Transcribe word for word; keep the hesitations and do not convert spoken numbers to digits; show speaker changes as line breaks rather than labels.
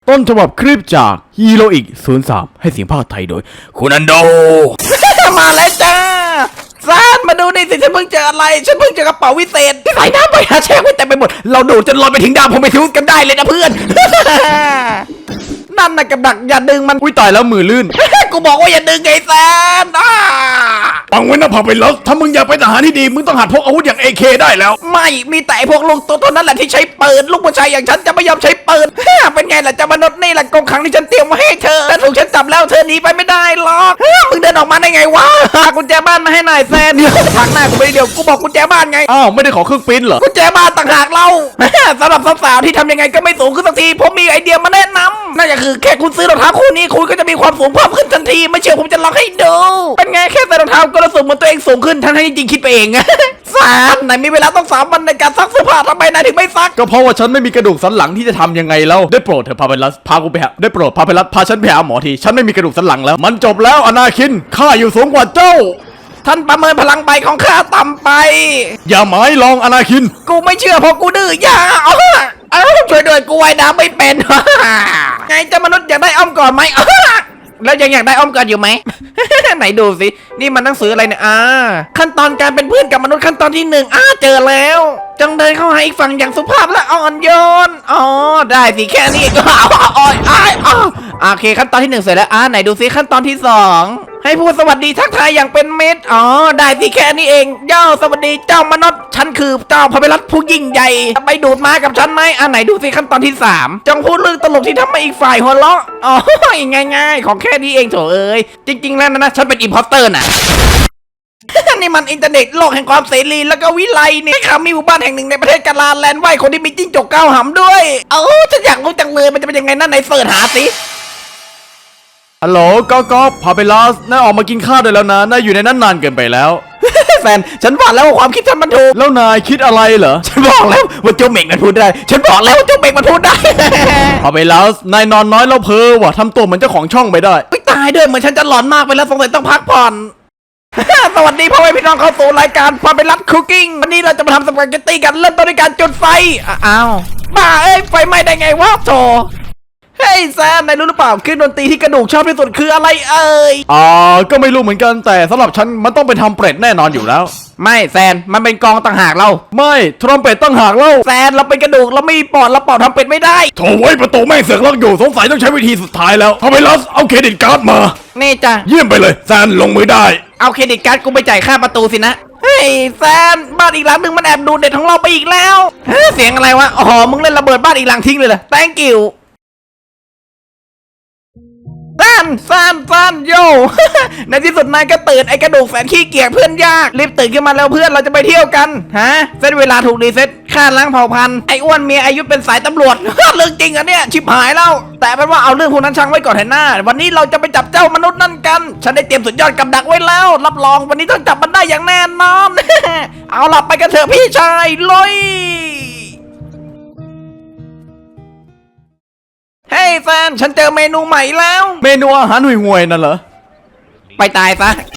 ต้นฉบับคลิปจากฮีโร่อีกศูนย์สามให้เสียงภาคไทยโดยคุณอันโด
มาแล้วจ้าซานมาดูนี่สิฉันเพิ่งเจออะไรฉันเพิ่งเจอกระเป๋าวิเศษที่ใส่น้ำไปหาแช่งไว้เต็มไปหมดเราดูดจนลอยไปถึงดาวผมไปทุกันได้เลยนะเพื่อน นั่นน่ะกับดักอย่าดึงมัน
อุ้ยตายแล้วมือลื่น
กูบอกว่าอย่าดึงไอ้แซนอ่า
ฟังไว้นะพาไปแล้วถ้ามึงอยากเป็นทหารที่ดีมึงต้องหัดพกอาวุธอย่าง เอ เค ได้แล้ว
ไม่มีแต่ไอ้พวกลูกตัวเท่านั้นแหละที่ใช้ปืนลูกผู้ชายอย่างฉันจะไม่ยอมใช้ปืน เป็นไงล่ะเจ้ามนุษย์นี่แหละกรงขังที่ฉันเตรียมมาให้เธอแต่ถูกฉันจับแล้วเธอหนีไปไม่ได้หรอกมึงเดินออกมาได้ไงวะกุญแจบ้านมาให้หน่อยแซนทางหน้ากูไปเดียวกูบอกกุญแจบ้านไง
อ้าวไม่ได้ขอเครื่องปริ้นเหรอ
กุญแจบ้านต่างหากเรา สำหรับสาวๆที่ทำยังไงก็ไม่สูงขึ้นสักทีผมมีไอเดียมาแนะนำนั่นก็คือแค่คุณซื้อรองเท้าคู่นี้คุณก็จะมีความสูงเพิ่มขึ้นทันทีไม่เชื่อผมจะลองให้ดูเป็นไงแค่ใส่รองเท้าก็รู้สึกเหมือนตัวเองสูงขึ้นทั้งที่จริงๆคิดไปเอง สามนายมีเวลาต้องสามวันในการซักเสื้อผ้าทำไมนายถึงไม่ซัก
ก็เพราะว่าฉันไม่มีกระดูกสันหลังที่จะทำยังไงแล้วได้โปรดเถอะพาไปรัสพากูไปหาได้โปรดพาไปรัสพาฉันไปหาหมอทีฉันไม่มีกระดูกสันหลังแล้วมันจบแล้วอนาคินข้าอยู่สูงกว่าเจ้า
ท่านประเมินพลังใบของข้าต่ำไป
อย่าหมายลองอนาคิน
กูไม่เชื่อเพราะกูดื้ออย่าเอาเอาช่วยด้วยกูว่ายน้ำไม่เป็น ไงเจ้ามนุษย์อยากได้อ้อมก่อนไหม แล้วยังอยากได้อ้อมก่อนอยู่ไหม ไหนดูสินี่มันหนังสืออะไรเนี่ยอ่าขั้นตอนการเป็นเพื่อนกับมนุษย์ขั้นตอนที่หนึ่งอ่าเจอแล้วจงเดินเข้าหาอีกฝั่งอย่างสุภาพและอ่อนโยนอ๋อได้สิแค่นี้ก็เอาอ้อยอ้ายอ้าวโอเคขั้นตอนที่หนึ่งเสร็จแล้วอ่าไหนดูสิขั้นตอนที่สองให้พูดสวัสดีทักทายอย่างเป็นมิตรอ๋อได้สิแค่นี้เองเจ้าสวัสดีเจ้ามนุษย์ฉันคือเจ้าพระเวรัตผู้ยิ่งใหญ่ไปดูดมากับฉันไหมอ่าไหนดูสิขั้นตอนที่สามจงพูดเรื่องตลกที่ทำให้อีกฝ่ายหัวเราะอ๋อง่ายๆของแค่นี้เองโถเอ้ยจริงๆแล้วนะฉันเป็นอิมพอสเตอร์น่ะ นี่มันอินเทอร์เน็ตโลกแห่งความเสรีแล้วก็วิไลนี่ค่ะมีหมู่บ้านแห่งหนึ่งในประเทศกาลาแลนด์ไหวคนที่มีจิ้งจกเก้าหำด้วยเอ้าฉันอยากรู้จังเลยมันจะเป็นยังไงนั่นไหนเสิร์ชหาสิ
ฮัลโหลก๊อกก๊อกพาไปรัสนายออกมากินข้าวได้แล้วนะนายอยู่ในนั้นนานเกินไปแล้ว
แฟนฉันบอกแล้วว่าความคิดฉันมันถูก
แล้วนายคิดอะไรเหรอ
ฉันบอกแล้วว่าเจ้าเม่งมันพูดได้ ฉันบอกแล้วว่าเจ้าเม่งมันพูดได้
พาไปรัสนายนอนน้อยแล้วเพ้อว่ะทำตัวเหมือนเจ้าของช่องไปได้
ไม่ตายด้วยเหมือนฉันจะหลอนมากไปแล้วสงสัยต้องพักผ่อน สวัสดีพ่อแม่พี่น้องเข้าสู่รายการพาไปรัดคุกกิ้งวันนี้เราจะมาทำสปาเกตตี้กันเริ่มต้นด้วยการจุดไฟอ้าวบ้าเอ้ยไฟไหม้ได้ไงวะโธ่เฮ้ยแซมนายรู้หรือเปล่าเครื่องดนตรีที่กระดูกชอบที่สุดคืออะไรเอ่ย
อ่าก็ไม่รู้เหมือนกันแต่สำหรับฉันมันต้องเป็นทำเป็ดแน่นอนอยู่แล้ว
ไม่แซนมันเป็นกองต่างหากเรา
ไม่ทรอมเป็ดตั้งหากเล่า
แซนเราเป็นกระดูกเราไม่มีปอดเราปอดทำเป็ดไม่ได้
โถไว้ประตูแม่งเสือกล็อกอยู่สงสัยต้องใช้วิธีสุดท้ายแล้วพาไปรัสเอาเครดิตการ์ดมา
นี่จ้ะ
เยี่ยมไปเลยแซนลงมือได้
เอาเครดิตการ์ดกูไปจ่ายค่าประตูสินะเฮ้ยแซนบ้านอีกหลังหนึ่งมันแอบดูดเด็ดของเราไปอีกแล้วเฮ้ยเสียงอะไรวะอ๋อมึงเล่นระเบิดบ้านอีกหลังทิ้งเลยเหรอ thank you แซนแซนแซนโย ในที่สุดนายก็ตื่นไอ้กระดูกแสนขี้เกียจเพื่อนยากรีบตื่นขึ้นมาแล้วเพื่อนเราจะไปเที่ยวกันฮะเซตเวลาถูกรีเซ็ตค่าล้างเผ่าพันธุ์ไอ้อ้วนเมียอายุเป็นสายตำรวจ เรื่องจริงอะเนี่ยชิบหายแล้วแต่เป็นว่าเอาเรื่องพวกนั้นช่างไว้ก่อนเถอะหน้าวันนี้เราจะไปจับเจ้ามนุษย์นั่นกันฉันได้เตรียมสุดยอดกับดักไว้แล้วรับรองวันนี้ต้องจับมันได้อย่างแน่นอน เอาล่ะไปกันเถอะพี่ชายลุยเฮ้ยแฟนฉันเจอเมนูใหม่แล้ว
เมนูอาหารห่วยๆนั่นเหรอ
ไปตายซะ